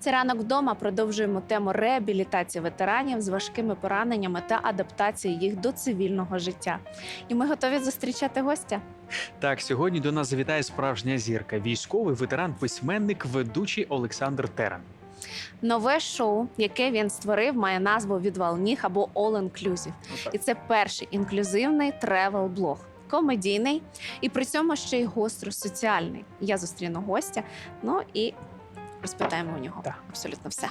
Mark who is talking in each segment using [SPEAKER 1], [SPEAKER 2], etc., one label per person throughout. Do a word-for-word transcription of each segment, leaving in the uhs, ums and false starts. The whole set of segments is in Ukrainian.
[SPEAKER 1] подкасті «Ранок вдома» продовжуємо тему реабілітації ветеранів з важкими пораненнями та адаптації їх до цивільного життя. І ми готові зустрічати гостя.
[SPEAKER 2] Так, сьогодні до нас завітає справжня зірка – військовий ветеран, письменник, ведучий Олександр Терен.
[SPEAKER 1] Нове шоу, яке він створив, має назву «Відвал ніг» або «All Inclusive». І це перший інклюзивний тревел-блог. Комедійний і при цьому ще й гостро соціальний. Я зустріну гостя, ну і розпитаємо у нього
[SPEAKER 2] Так.
[SPEAKER 1] абсолютно все.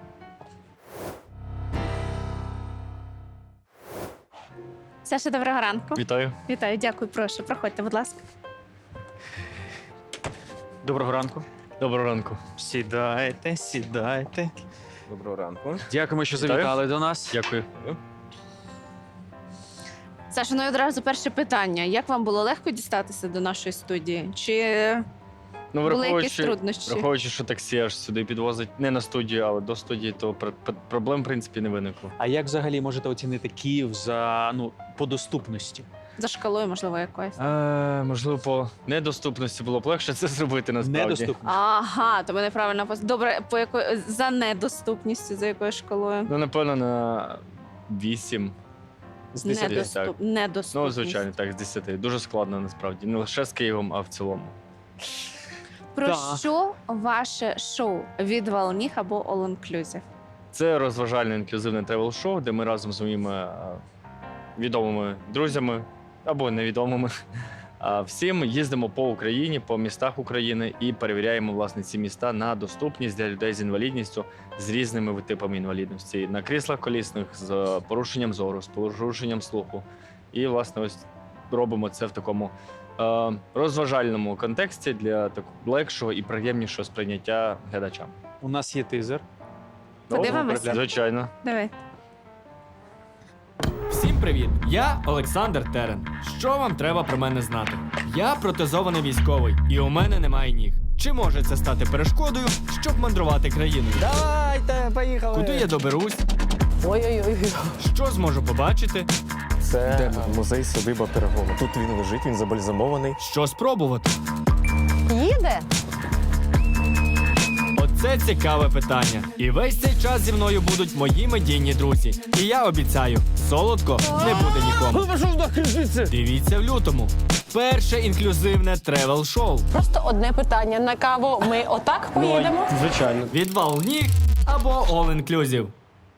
[SPEAKER 1] Саша, доброго ранку.
[SPEAKER 3] Вітаю.
[SPEAKER 1] Вітаю, дякую, прошу. Проходьте, будь ласка.
[SPEAKER 2] Доброго ранку.
[SPEAKER 3] Доброго ранку.
[SPEAKER 2] Сідайте, сідайте.
[SPEAKER 4] Доброго ранку.
[SPEAKER 2] Дякуємо, що
[SPEAKER 3] Вітаю.
[SPEAKER 2] завітали до нас.
[SPEAKER 3] Дякую.
[SPEAKER 1] Саша, ну і одразу перше питання. Як вам було легко дістатися до нашої студії? Чи
[SPEAKER 3] Ну,
[SPEAKER 1] були якісь
[SPEAKER 3] враховуючи,
[SPEAKER 1] труднощі?
[SPEAKER 3] враховуючи, що таксі аж сюди підвозить не на студію, але до студії, то пр- пр- проблем, в принципі, не виникло.
[SPEAKER 2] А як взагалі можете оцінити Київ за, ну, по доступності?
[SPEAKER 1] За шкалою, можливо, якоюсь?
[SPEAKER 3] Е, можливо, по недоступності було б легше це зробити, насправді.
[SPEAKER 2] Недоступність.
[SPEAKER 1] Ага, то ви неправильно пос- Добре, по якої за недоступністю, за якою школою?
[SPEAKER 3] Ну, напевно, на вісім.
[SPEAKER 2] З десяти.
[SPEAKER 1] Недоступ...
[SPEAKER 3] так.
[SPEAKER 1] Недоступність.
[SPEAKER 3] Ну, звичайно, так, з десяти. Дуже складно, насправді. Не лише з Києвом, а в цілому.
[SPEAKER 1] Про
[SPEAKER 2] Так.
[SPEAKER 1] що ваше шоу «Відвал ніг» або «All Inclusive»?
[SPEAKER 3] Це розважальне інклюзивне тревел-шоу, де ми разом з моїми е, відомими друзями або невідомими а, всім їздимо по Україні, по містах України і перевіряємо власне ці міста на доступність для людей з інвалідністю з різними типами інвалідності. На кріслах колісних, з порушенням зору, з порушенням слуху. І власне ось робимо це в такому е, розважальному контексті для такого легшого і приємнішого сприйняття глядачам.
[SPEAKER 2] У нас є тизер.
[SPEAKER 1] Подивимося?
[SPEAKER 3] Звичайно.
[SPEAKER 1] Давай.
[SPEAKER 5] Всім привіт! Я Олександр Терен. Що вам треба про мене знати? Я протезований військовий, і у мене немає ніг. Чи може це стати перешкодою, щоб мандрувати країною?
[SPEAKER 4] Давайте, поїхали.
[SPEAKER 5] Куди я доберусь?
[SPEAKER 4] Ой-ой-ой.
[SPEAKER 5] Що зможу побачити?
[SPEAKER 4] Це музей садиба Пирогова. Тут він лежить, він забальзамований.
[SPEAKER 5] Що спробувати?
[SPEAKER 6] Їде?
[SPEAKER 5] Оце цікаве питання. І весь цей час зі мною будуть мої медійні друзі. І я обіцяю, солодко не буде нікому. Дивіться в лютому. Перше інклюзивне тревел-шоу.
[SPEAKER 6] Просто одне питання. На каву ми отак поїдемо?
[SPEAKER 3] Звичайно.
[SPEAKER 5] Відвал ніг або All Inclusive.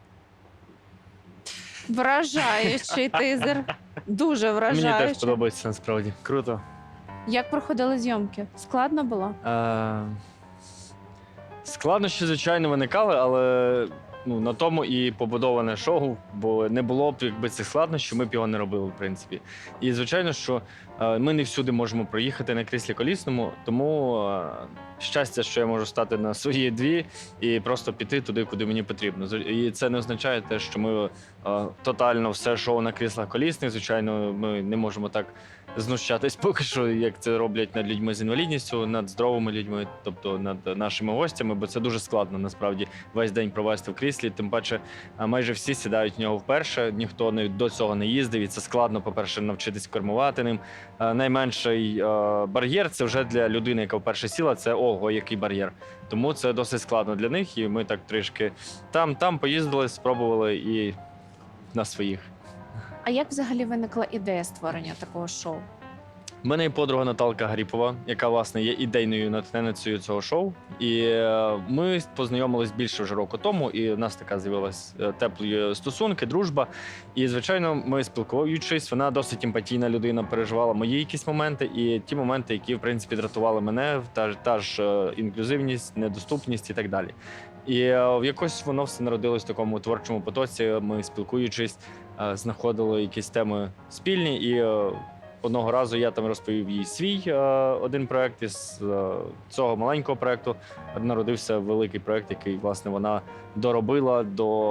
[SPEAKER 1] Вражаючий тизер. Дуже
[SPEAKER 3] Мені теж
[SPEAKER 1] вражаючий.
[SPEAKER 3] подобається насправді. Круто.
[SPEAKER 1] Як проходили зйомки? Складно було?
[SPEAKER 3] Е, Складнощі, звичайно, виникали, але ну, на тому і побудоване шоу, бо не було б якби цих складнощів, ми б його не робили, в принципі. І звичайно, що е, ми не всюди можемо проїхати на кріслі колісному, тому е, щастя, що я можу стати на свої дві і просто піти туди, куди мені потрібно. З- І це не означає те, що ми е, тотально все шоу на кріслах колісних. Звичайно, ми не можемо так знущатись поки що, як це роблять над людьми з інвалідністю, над здоровими людьми, тобто над нашими гостями, бо це дуже складно насправді весь день провести в кріслі. Тим паче, а, майже всі сідають в нього вперше. Ніхто не до цього не їздив, і це складно, по-перше, навчитись кермувати ним. А, Найменший а, бар'єр це вже для людини, яка вперше сіла. Це ого, який бар'єр. Тому це досить складно для них. І ми так трішки там, там поїздили, спробували і на своїх.
[SPEAKER 1] А як взагалі виникла ідея створення такого шоу?
[SPEAKER 3] У мене є подруга Наталка Гаріпова, яка, власне, є ідейною натхненницею цього шоу. І е, ми познайомились більше вже року тому, і в нас така з'явилась е, теплі стосунки, дружба. І, звичайно, ми спілкуючись, вона досить емпатійна людина, переживала мої якісь моменти, і ті моменти, які, в принципі, дратували мене, та, ж- та ж е, інклюзивність, недоступність і так далі. І е, якось воно все народилось в такому творчому потоці. Ми, спілкуючись, е, знаходили якісь теми спільні, і е, одного разу я там розповів їй свій е, один проект. Із е, цього маленького проекту народився великий проект, який, власне, вона доробила,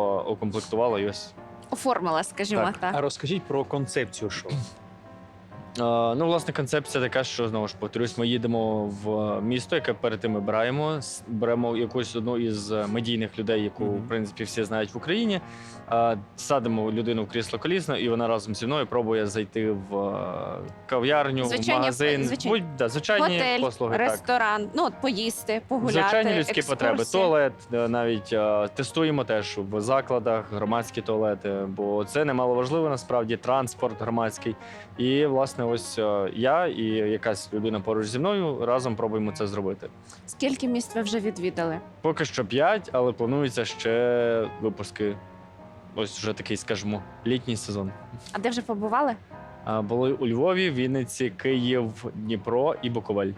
[SPEAKER 3] доокомплектувала. І ось
[SPEAKER 1] Оформила, скажімо
[SPEAKER 3] Так.
[SPEAKER 1] так.
[SPEAKER 2] А розкажіть про концепцію шоу.
[SPEAKER 3] Ну, власне, концепція така, що знову ж повторюсь, ми їдемо в місто, яке перед тим ми браємо, с- беремо якусь одну із медійних людей, яку
[SPEAKER 2] Мгм.
[SPEAKER 3] в принципі всі знають в Україні. а, Садимо людину в крісло колісно, і вона разом зі мною пробує зайти в е, кав'ярню, в
[SPEAKER 1] Звичайні-
[SPEAKER 3] магазин,
[SPEAKER 1] звичайні-
[SPEAKER 3] будь да, звичайні
[SPEAKER 1] Готель,
[SPEAKER 3] послуги. Так.
[SPEAKER 1] ресторан, ну от поїсти, погуляти,
[SPEAKER 3] Звичайні людські
[SPEAKER 1] екскурсії.
[SPEAKER 3] потреби, туалет, е, навіть е, тестуємо теж в закладах громадські туалети, бо це немаловажливо насправді транспорт громадський. І власне, ось е, я і якась людина поруч зі мною разом пробуємо це зробити.
[SPEAKER 1] Скільки міст ви вже відвідали?
[SPEAKER 3] Поки що п'ять, але планується ще випуски. Ось вже такий, скажімо, літній сезон.
[SPEAKER 1] А де вже побували?
[SPEAKER 3] А, були у Львові, Вінниці, Київ, Дніпро і Буковель.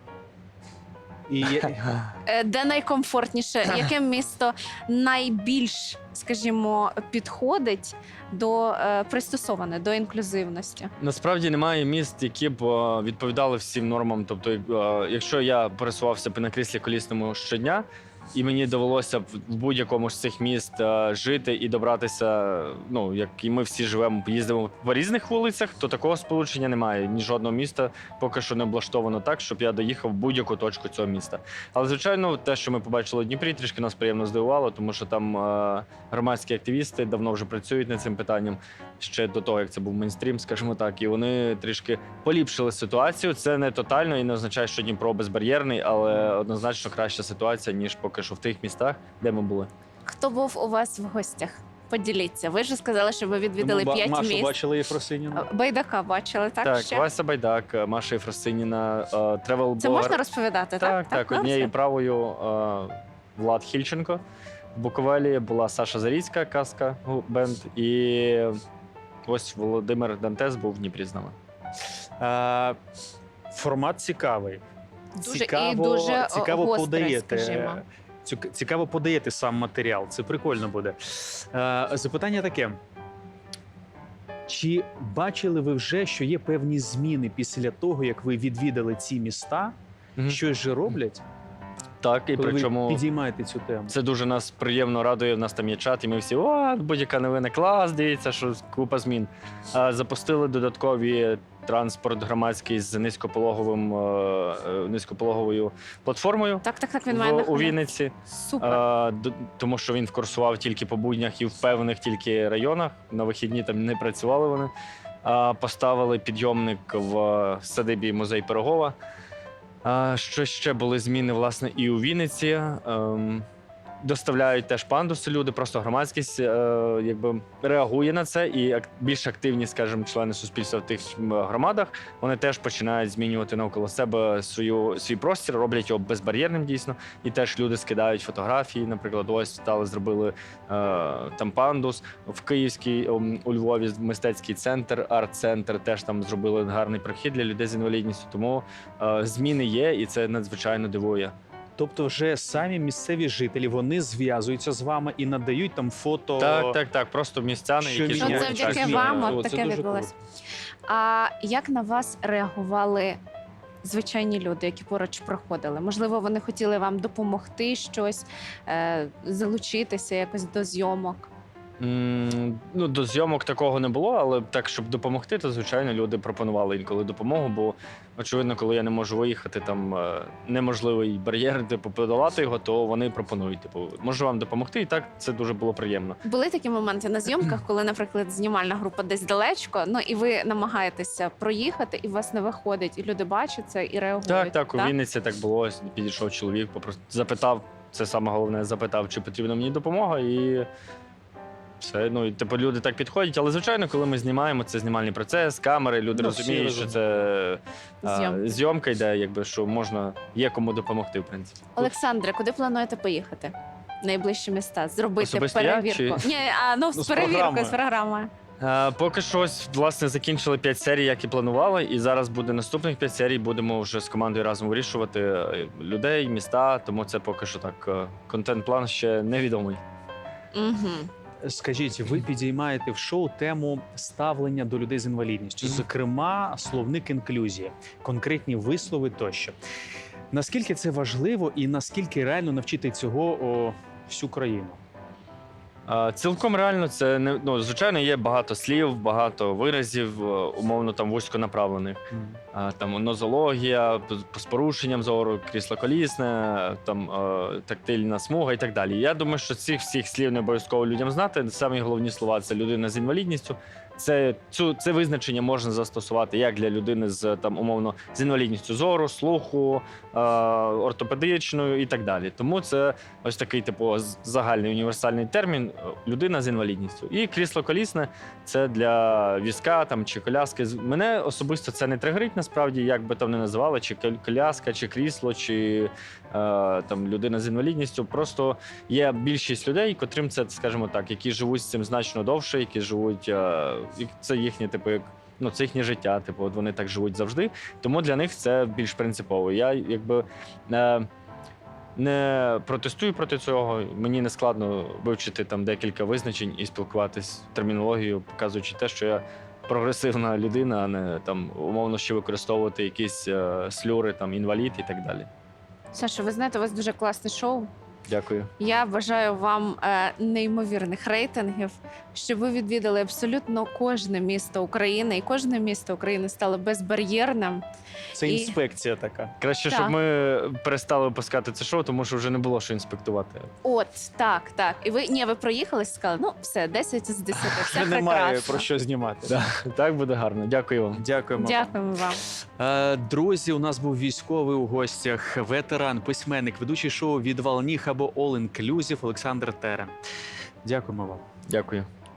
[SPEAKER 2] І
[SPEAKER 1] Е, Де найкомфортніше? Яке місто найбільш, скажімо, підходить до е, пристосоване до інклюзивності?
[SPEAKER 3] Насправді немає міст, які б е, відповідали всім нормам. Тобто, е, якщо я пересувався б на кріслі колісному щодня, і мені довелося б в будь-якому з цих міст е, жити і добратися, ну як і ми всі живемо, їздимо по різних вулицях, то такого сполучення немає. Ні жодного міста поки що не облаштовано так, щоб я доїхав в будь-яку точку цього міста. Але звичайно, те, що ми побачили у Дніпрі, трішки нас приємно здивувало, тому що там е, громадські активісти давно вже працюють над цим питанням ще до того, як це був мейнстрім, скажімо так, і вони трішки поліпшили ситуацію. Це не тотально і не означає, що Дніпро безбар'єрний, але однозначно краща ситуація, ніж поки що в тих містах, де ми були.
[SPEAKER 1] Хто був у вас в гостях? Поділіться. Ви ж сказали, що ви відвідали
[SPEAKER 2] Ба-
[SPEAKER 1] п'ять
[SPEAKER 2] Машу
[SPEAKER 1] міст.
[SPEAKER 2] бачили Єфросиніну?
[SPEAKER 1] Байдака бачили, так?
[SPEAKER 3] Так,
[SPEAKER 1] ще?
[SPEAKER 3] Вася Байдак, Маша Єфросиніна, тревел
[SPEAKER 1] Це можна розповідати, так?
[SPEAKER 3] Так, так,
[SPEAKER 1] Ну,
[SPEAKER 3] однією
[SPEAKER 1] все.
[SPEAKER 3] правою е, Влад Хільченко. В Буковелі була Саша Заріцька, казка гу- бенд, і ось Володимир Дантес був в Дніпрі з нами.
[SPEAKER 2] А, формат цікавий.
[SPEAKER 1] Дуже і дуже, о,
[SPEAKER 2] цікаво
[SPEAKER 1] гострий,
[SPEAKER 2] подаєте.
[SPEAKER 1] скажімо.
[SPEAKER 2] Цю- Цікаво подаєте сам матеріал. Це прикольно буде. Е, запитання таке. Чи бачили ви вже, що є певні зміни після того, як ви відвідали ці міста?
[SPEAKER 3] Мгм.
[SPEAKER 2] Щось же роблять,
[SPEAKER 3] Так, і
[SPEAKER 2] коли
[SPEAKER 3] причому
[SPEAKER 2] ви підіймаєте цю тему?
[SPEAKER 3] це дуже нас приємно радує. В нас там є чат, і ми всі о, будь-яка новина, клас, дивіться, що купа змін. А, запустили додаткові транспорт громадський з низькопологовим е, е, низькопологовою платформою
[SPEAKER 1] Так, так, так, він має
[SPEAKER 3] в, у
[SPEAKER 1] нахилянку.
[SPEAKER 3] Вінниці.
[SPEAKER 1] Супер.
[SPEAKER 3] А, д- тому що він курсував тільки по буднях і в певних тільки районах. На вихідні там не працювали вони. А, поставили підйомник в садибі музей Пирогова. А, що ще були зміни, власне, і у Вінниці. Ем, доставляють теж пандуси люди, просто громадськість е, якби реагує на це, і ак- більш активні, скажімо, члени суспільства в тих м, громадах, вони теж починають змінювати навколо себе свою, свій простір, роблять його безбар'єрним дійсно, і теж люди скидають фотографії, наприклад, ось стали, зробили е, там пандус, в Київській, ом, у Львові мистецький центр, арт-центр, теж там зробили гарний прохід для людей з інвалідністю, тому е, зміни є, і це надзвичайно дивує.
[SPEAKER 2] Тобто, вже самі місцеві жителі вони зв'язуються з вами і надають там фото.
[SPEAKER 3] Так, так, так, просто містяни,
[SPEAKER 2] Що
[SPEAKER 3] які
[SPEAKER 2] він-
[SPEAKER 1] Ну,
[SPEAKER 2] Ні,
[SPEAKER 1] це
[SPEAKER 3] живуть
[SPEAKER 2] так,
[SPEAKER 1] завдяки
[SPEAKER 2] ні,
[SPEAKER 1] вам
[SPEAKER 2] о,
[SPEAKER 1] от
[SPEAKER 2] це
[SPEAKER 1] таке
[SPEAKER 2] дуже
[SPEAKER 1] відбулося. А як на вас реагували звичайні люди, які поруч проходили? Можливо, вони хотіли вам допомогти щось, е, залучитися якось до зйомок?
[SPEAKER 3] М, Ну, до зйомок такого не було, але так, щоб допомогти, то звичайно люди пропонували інколи допомогу, бо очевидно, коли я не можу виїхати, там е, неможливий бар'єр, типу, подолати його, то вони пропонують, типу, можу вам допомогти, і так це дуже було приємно.
[SPEAKER 1] Були такі моменти на зйомках, коли, наприклад, знімальна група десь далечко, ну і ви намагаєтеся проїхати, і у вас не виходить, і люди бачать це і реагують.
[SPEAKER 3] Так, так, у Вінниці так було. Ось підійшов чоловік, попросту запитав, це саме головне, запитав, чи потрібна мені допомога, і все. Ну, і типу, люди так підходять. Але, звичайно, коли ми знімаємо, це знімальний процес, камери, люди
[SPEAKER 2] Ну, всі
[SPEAKER 3] розуміють, що
[SPEAKER 2] розуміють.
[SPEAKER 3] це а,
[SPEAKER 1] Зйомки.
[SPEAKER 3] зйомка йде, якби що можна, є кому допомогти, в принципі.
[SPEAKER 1] Олександре, куди плануєте поїхати? Найближчі міста, зробити
[SPEAKER 3] Особисто я,
[SPEAKER 1] перевірку.
[SPEAKER 3] чи-
[SPEAKER 1] Ні, а ну,
[SPEAKER 2] Ну,
[SPEAKER 1] з
[SPEAKER 2] з
[SPEAKER 1] перевіркою,
[SPEAKER 2] програмою.
[SPEAKER 1] з програмою.
[SPEAKER 3] А, поки що ось, власне, закінчили п'ять серій, як і планували, і зараз буде наступних п'ять серій. Будемо вже з командою разом вирішувати е, людей, міста. Тому це поки що так. е, Контент-план ще невідомий.
[SPEAKER 1] Угу.
[SPEAKER 2] Скажіть, ви підіймаєте в шоу тему ставлення до людей з інвалідністю,
[SPEAKER 3] Мгм.
[SPEAKER 2] зокрема, словник інклюзії, конкретні вислови тощо. Наскільки це важливо і наскільки реально навчити цього о, всю країну?
[SPEAKER 3] А, Цілком реально, це не ну, звичайно, є багато слів, багато виразів, е, умовно там вузьконаправлених. А, Там нозологія п- з порушенням зору, крісло-колісне, там е, тактильна смуга і так далі. Я думаю, що цих всіх слів не обов'язково людям знати. Самі головні слова це людина з інвалідністю. Це цю це визначення можна застосувати як для людини з там умовно з інвалідністю зору, слуху, е, ортопедичною і так далі. Тому це ось такий типу з- загальний універсальний термін е, людина з інвалідністю. І крісло-колісне це для візка там чи коляски. З- Мене особисто це не тригерить насправді, як би там не називали, чи кол- коляска, чи крісло, чи е, там людина з інвалідністю. Просто є більшість людей, котрим це, скажімо так, які живуть з цим значно довше, які живуть. Е, і це їхнє, типу, як ну це їхнє життя. Типу, от вони так живуть завжди. Тому для них це більш принципово. Я якби. Е, Не протестую проти цього. Мені не складно вивчити там декілька визначень і спілкуватись термінологією, показуючи те, що я прогресивна людина, а не там умовно ще використовувати якісь е, слюри, там інвалід і так далі.
[SPEAKER 1] Саша, ви знаєте, у вас дуже класне шоу.
[SPEAKER 3] Дякую.
[SPEAKER 1] Я бажаю вам е, неймовірних рейтингів, щоб ви відвідали абсолютно кожне місто України, і кожне місто України стало безбар'єрним.
[SPEAKER 4] Це
[SPEAKER 1] І-
[SPEAKER 4] інспекція така.
[SPEAKER 3] Краще,
[SPEAKER 1] Так.
[SPEAKER 3] щоб ми перестали випускати це шоу, тому що вже не було що інспектувати.
[SPEAKER 1] От так, так. І ви ні, ви проїхались, сказали, ну все, десять з десяти, все
[SPEAKER 4] Вже немає
[SPEAKER 1] прекрасно.
[SPEAKER 4] про що знімати.
[SPEAKER 3] Так буде гарно. Дякую вам.
[SPEAKER 2] Дякуємо.
[SPEAKER 1] Дякуємо вам.
[SPEAKER 2] Е, Друзі, у нас був військовий у гостях, ветеран, письменник, ведучий шоу «Відвал ніг» або All Inclusive Олександр Терен. Дякуємо вам.
[SPEAKER 3] Дякую.